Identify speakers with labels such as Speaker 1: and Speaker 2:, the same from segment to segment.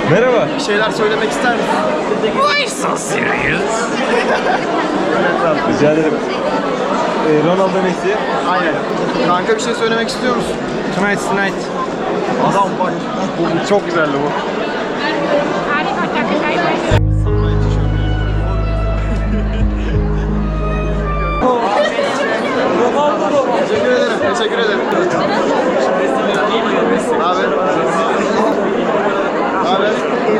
Speaker 1: Merhaba.
Speaker 2: Bir şeyler söylemek ister misin?
Speaker 3: Why so serious?
Speaker 1: Rica ederim. Ronaldo Messi.
Speaker 2: Aynen. Kanka bir şey söylemek istiyor musun?
Speaker 1: Tonight's night.
Speaker 2: Adam bak. Bu çok güzeldi bu. Teşekkür ederim. Teşekkür ederim. Abi. Abi.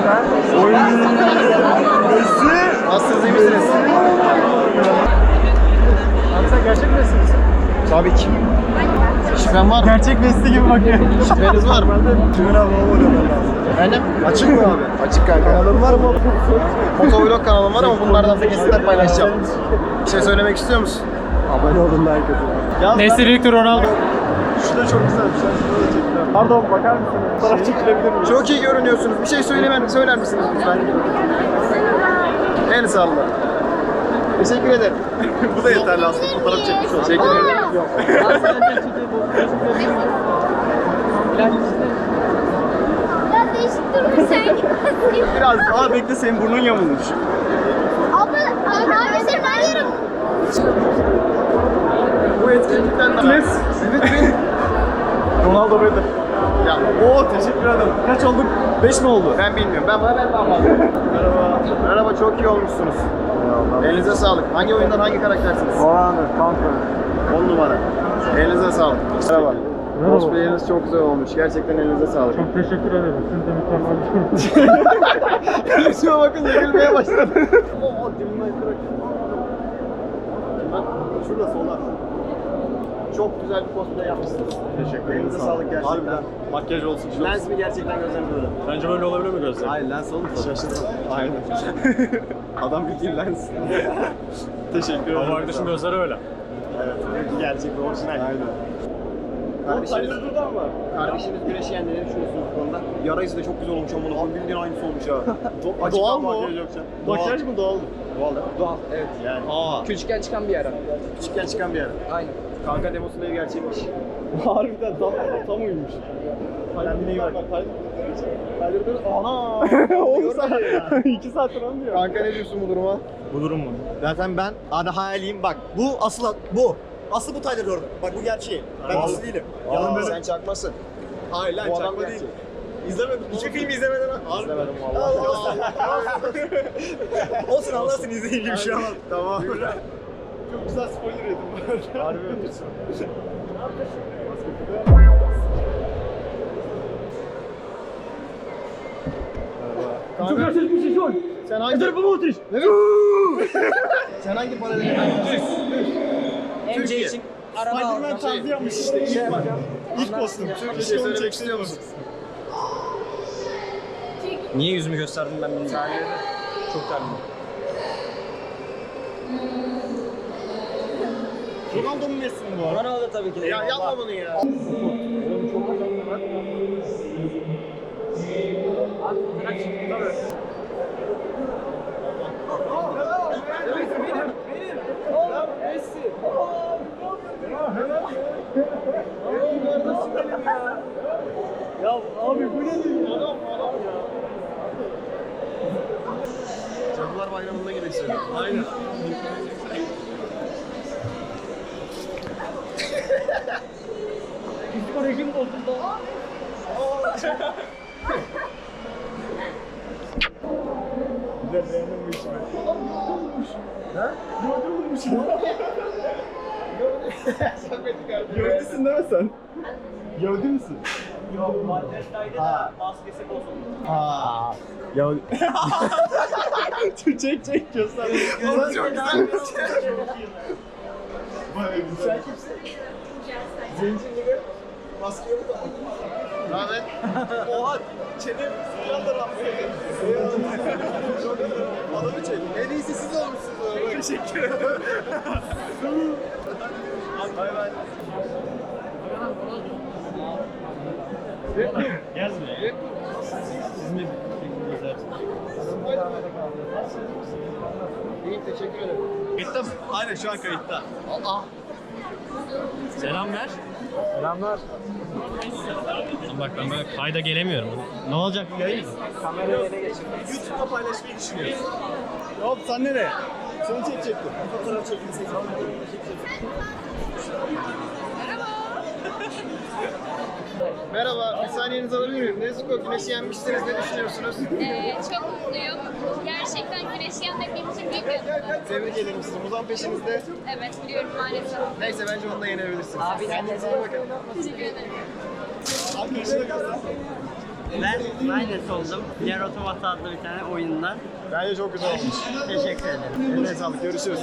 Speaker 2: Nasılsınız, iyi misiniz?
Speaker 4: Abi sen gerçek Messi misin?
Speaker 2: Tabii ki. Şifren var mı?
Speaker 4: Gerçek Messi gibi bakıyor.
Speaker 2: Şifreniz var mı?
Speaker 4: Tümür abi olmadı.
Speaker 2: Efendim? Açık mı abi? Açık kanka.
Speaker 4: Kanalın var mı?
Speaker 2: Motovlog kanalım var ama bunlardan da kesitler paylaşacağım. Bir şey söylemek istiyor musun?
Speaker 4: Abone olun, like atın.
Speaker 3: Messi büyüktür Ronaldo.
Speaker 4: Şu da çok güzel bir şey. Şunu da çektiler. Pardon, bakar mısınız? Fotoğraf çekilebilir miyim?
Speaker 2: Çok iyi görünüyorsunuz. Bir şey söyler misiniz lütfen? El salla. Teşekkür ederim. Bu da yeterli aslında. Fotoğraf çekmiş olsun. Teşekkür ederim. Yok.
Speaker 5: Ya değişik durma sen.
Speaker 2: Biraz daha bekle, senin burnun yamulmuş.
Speaker 5: Abi sen her yerim.
Speaker 2: Bu etkinlikten de...
Speaker 4: Evet, benim. Ronaldo benim.
Speaker 2: Ya
Speaker 4: Oo, teşekkür ederim. Kaç olduk? 5 mi oldu?
Speaker 2: ben bilmiyorum. Ben daha Merhaba. Merhaba, çok iyi olmuşsunuz. Elinize sağlık. Hangi oyundan hangi karaktersiniz?
Speaker 4: Oranı, kanka.
Speaker 2: 10 numara. Elinize sağlık. Merhaba. Cosplay'iniz çok güzel olmuş. Gerçekten elinize sağlık.
Speaker 4: Çok teşekkür ederim. Siz de mükemmel.
Speaker 2: Şuna bakın, gülmeye başladı. Oo, dilimden kırak. Şurada sola. Çok güzel bir cosplay yapmışsınız.
Speaker 4: Teşekkür ederim.
Speaker 2: Elinize sağlık gerçekten.
Speaker 4: Harbiden. Makyaj olsun.
Speaker 2: Lens mi gerçekten gözleriniz böyle?
Speaker 4: Bence böyle olabilir mi gözler?
Speaker 2: Hayır, lens olur mu?
Speaker 4: Şaşırdım.
Speaker 2: Aynen. Adam bildiğin lens. Teşekkür ederim.
Speaker 4: Ama arkadaşın gözleri öyle.
Speaker 2: Evet, gerçek ve orijinal. Aynen. Kardeşiniz güneşi yendi, ne düşünüyorsunuz bu konuda? Yara izi de çok güzel olmuş ama abi bildiğin aynısı olmuş ha.
Speaker 4: Doğal mı o?
Speaker 2: Makyaj yok.
Speaker 4: Makyaj mı doğal mı?
Speaker 2: Doğal değil mi?
Speaker 6: Doğal, evet.
Speaker 2: Yani.
Speaker 6: Küçükken çıkan bir ara.
Speaker 2: Küçükken çıkan bir yer.
Speaker 6: Aynen.
Speaker 2: Kanka demosunda ev gerçekmiş.
Speaker 4: Harbiden tam uyumuş.
Speaker 2: Kendine iyi bak. Ana!
Speaker 4: Oğlum sen 2 saattir onu diyor.
Speaker 2: Kanka ne diyorsun bu duruma?
Speaker 4: Bu durum mu?
Speaker 7: Zaten ben ana hayaliyim bak. Bu asıl bu. Asıl bu Tyler Durden. Bak bu gerçeği. Ben
Speaker 4: Vallahi.
Speaker 7: asıl değilim.
Speaker 2: Yalan böyle. Sen çakmasın.
Speaker 7: Hayır lan
Speaker 2: Bu adam
Speaker 7: çakma
Speaker 2: gerçek.
Speaker 7: değil. İzlemedim. Hiçbir filmi izlemeden ha.
Speaker 2: İzlemedim vallahi.
Speaker 7: Olsun anlarsın izleyeyim gibi bir şey ama.
Speaker 2: Tamam.
Speaker 4: Çok güzel spoiler yedim.
Speaker 2: Harbi.
Speaker 4: Çok gerçek bir şey var.
Speaker 2: Sen hangi...
Speaker 4: Dur bu ateş.
Speaker 2: Sen hangi paralel?
Speaker 6: MC için araba
Speaker 4: Spider-Man
Speaker 6: aldım.
Speaker 4: tarzı yapmış işte. İlk kostüm.
Speaker 2: Bir şey söylemek istiyor musun?
Speaker 6: Niye yüzümü gösterdim ben bilmiyorum. Çok terledim.
Speaker 4: Ronaldo mu Messi mi bu arada?
Speaker 6: Ronaldo tabii ki de.
Speaker 2: Ya yapma bunu ya.
Speaker 4: Ya abi bu ne diyor? Adam ya.
Speaker 2: Cadılar Bayramı'nda gidelim.
Speaker 4: Aynen. Psikolojim bozuldu. Güzel beğendim bu işimi. Ha? Gördürmüş ya. Gördüsün değil mi sen? Gördü müsün? Yok, Manchester'da da maskesi bozuldu. Ha. Ya. çek göster.
Speaker 2: Oğlum çok güzel.
Speaker 4: Sen kimsin? Zenci gibi. Maske yok da.
Speaker 2: Rahmet.
Speaker 4: Oha çenem sıcağın da
Speaker 2: Adamı çek. En iyisi siz olmuşsunuz.
Speaker 4: Teşekkür ederim.
Speaker 2: Bay bay.
Speaker 4: Gezme. Sizin de
Speaker 2: İyi, teşekkür ederim.
Speaker 4: Kayıtta mı? Aynen şu an kayıtta. Selam ver.
Speaker 1: Selamlar.
Speaker 6: Bak ben böyle kayda gelemiyorum. Ne olacak bu yayın?
Speaker 1: Kamerayı ele geçir.
Speaker 7: YouTube'da paylaşmayı düşünüyoruz. Hop sen nereye? Seni çekecektim. Bir fotoğraf çekilsin.
Speaker 2: Merhaba, bir saniyenizi alabilir miyim? Nezuko güneşi yenmişsiniz, ne düşünüyorsunuz?
Speaker 5: Çok mutluyum. Gerçekten güneşi yenmek benim için büyük bir mutluluk.
Speaker 2: Tebrik ederim sizi. Muzan peşinizde.
Speaker 5: Evet biliyorum maalesef.
Speaker 2: Neyse bence onu da yenebilirsiniz. Kendinize iyi bakın.
Speaker 5: Teşekkür ederim.
Speaker 7: Arkadaşına göster.
Speaker 8: Ben Minus oldum. Diğer Otomata adlı bir tane oyundan.
Speaker 2: Bence çok güzel olmuş.
Speaker 8: Teşekkür ederim.
Speaker 2: Eline sağlık, görüşürüz.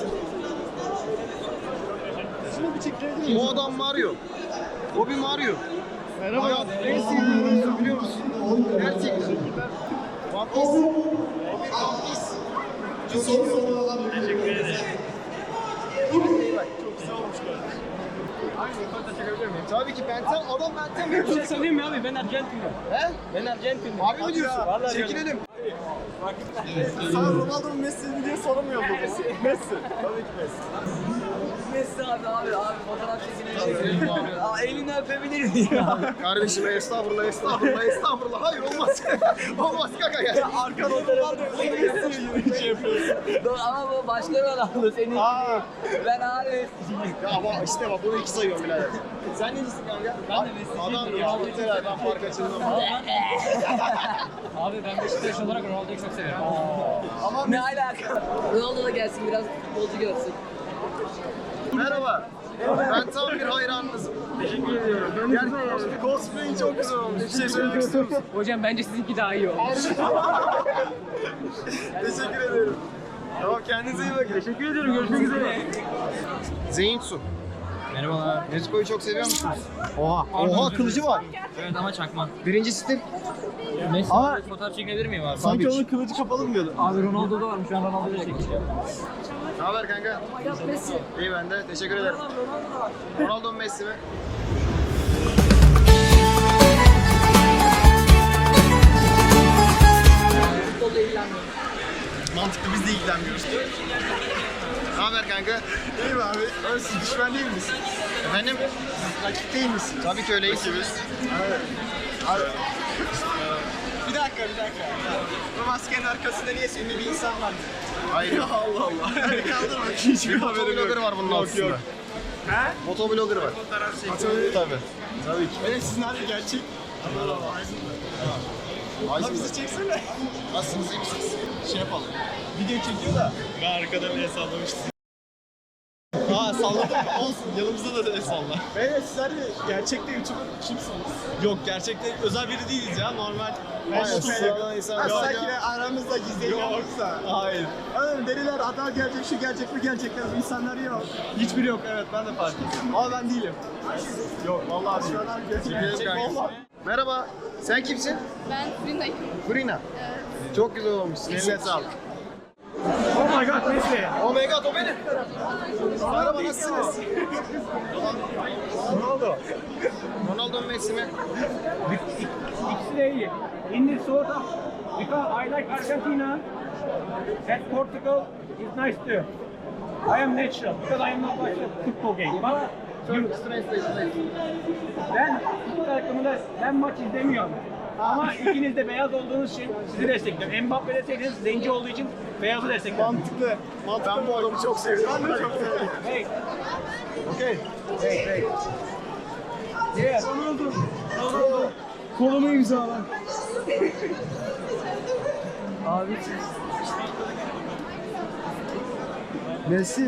Speaker 2: Bu adam Mario. O bir Mario. Merhaba. Hayat en sevdiğim oyuncu biliyor musun? Gerçekten. One Piece. O bir One Piece. Çok iyi. Teşekkür ederim. Çok güzel olmuş kardeşim. Aynı fotoğrafta çekebilir miyim? Tabii ki Benten, adam Benten mi?
Speaker 3: Bir şey söyleyeyim mi abi? Ben Arjantinliyim.
Speaker 2: He?
Speaker 3: Ben Arjantinliyim.
Speaker 2: Harbi mi diyorsun?
Speaker 3: Vallahi
Speaker 2: Çekilelim.
Speaker 7: Sana Ronaldo mu Messi mi diye soramıyor mu? Messi. Tabii ki Messi.
Speaker 8: Messi abi fotoğraf çekinelim. Elini öpebilir miyim?
Speaker 2: Kardeşim estağfurullah, estağfurullah. Hayır olmaz. Olmaz kaka ya.
Speaker 7: Arka fotoğraf da Messi'ye şey yapıyorsun.
Speaker 8: Ama bu başka Ronaldo senin. Ben abi Messi'yim.
Speaker 2: Ya ama işte bak bunu 2 sayıyorum birader. Sen necisin kanka? Ben de Messi'ciyim. Adam Ronaldo Teler, ben fark açıldım.
Speaker 3: Abi ben Beşiktaş olarak Ronaldo'yu çok severim.
Speaker 2: Ama
Speaker 8: Ne alaka? Ronaldo da gelsin biraz futbolcu görsün.
Speaker 2: merhaba. Ben tam bir hayranınızım. Teşekkür ediyorum. Gerçekten cosplay'in çok güzel olmuş. Bir şey söylemek istiyor musun?
Speaker 3: Hocam bence sizinki daha iyi olmuş.
Speaker 2: Teşekkür ederim. Tamam kendinize iyi bakın.
Speaker 3: Teşekkür ederim. Görüşmek üzere.
Speaker 2: Zeyinsu.
Speaker 6: Merhabalar.
Speaker 2: Nezuko'yu çok seviyor musunuz? Oha kılıcı var.
Speaker 6: Evet ama çakma.
Speaker 2: Birinci stil.
Speaker 6: Neyse
Speaker 2: Ama-
Speaker 6: fotoğraf çekinebilir miyim abi?
Speaker 7: Sanki onun kılıcı kapalı mı diyordu?
Speaker 3: Abi Ronaldo'da varmış. Ben Ronaldo'yu çekeceğim.
Speaker 2: Ne haber kanka? İyi ben de. Teşekkür ederim. Ronaldo mu Messi mi?
Speaker 8: Futbolda ilgilenmiyorum.
Speaker 2: Mantıklı biz de ilgilenmiyoruz. Ne haber kanka?
Speaker 7: İyi mi abi? Öyle siz düşman değil misin?
Speaker 2: Efendim?
Speaker 7: Rakip değil misin?
Speaker 2: Tabii ki öyleyiz.
Speaker 7: Abi. Bir dakika. Bu maskenin arkasında niye ünlü bir insan var?
Speaker 2: Hayır.
Speaker 7: Ya Allah Allah. Kaldır bak hiçbir haberim yok.
Speaker 2: Motovlogger var bunun altında.
Speaker 7: He?
Speaker 2: Motovlogger var. Tabii. Tabii ki.
Speaker 7: Evet sizin harbi gerçek. Abi bizi çeksene.
Speaker 2: Nasılsınız iyi misiniz?
Speaker 7: Şey yapalım. Video çekiyor da. Ben arkadan el sallamıştım. Salladım mı? Olsun. Yanımızda da el salla. Evet sizler de gerçekte YouTuber kimsiniz? Yok gerçekte özel biri değiliz ya. Normal.
Speaker 2: Hayır, sıradan insan.
Speaker 7: Sanki aramızda gizli yoksa. Hayır. Oğlum deliler hata gelecek, şu gelecek, bu gelecekler. Bu insanlar yok. Hiçbiri yok evet ben de fark ettim. Ama ben değilim. Yok vallahi şu an gerçek vallahi.
Speaker 2: Merhaba. Sen kimsin?
Speaker 5: Ben Brinda'yım.
Speaker 2: Brina. Çok güzel olmuşsun. Eline sağlık.
Speaker 3: Oh my god Messi.
Speaker 2: Oh my god o benim. Merhaba nasılsınız? Ronaldo. Ronaldo mu Messi mi?
Speaker 3: İkisi de iyi. In this sort of because I like Argentina and Portugal is nice too. I am natural because I am not watching football game. But ben futbol takımında ben maç izlemiyorum. Ama ikiniz de beyaz olduğunuz için sizi destekliyorum. Mbappe deseydiniz zenci olduğu için beyazı destekliyorum.
Speaker 7: Mantıklı.
Speaker 2: Ben bu adamı çok seviyorum.
Speaker 7: Ben de çok seviyorum.
Speaker 3: Hey,
Speaker 2: Okay.
Speaker 3: yeah. Ronaldo. Kolumu imzala.
Speaker 8: Abi
Speaker 7: Messi.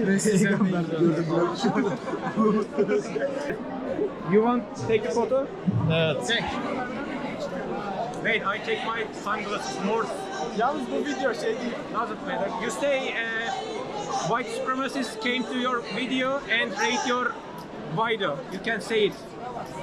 Speaker 3: You want to take a photo?
Speaker 7: Evet.
Speaker 2: Çek.
Speaker 3: Wait, I take my sunglasses more.
Speaker 7: Yalnız bu video şey değil.
Speaker 3: Doesn't matter. You say white supremacists came to your video and rate your video. You can say it.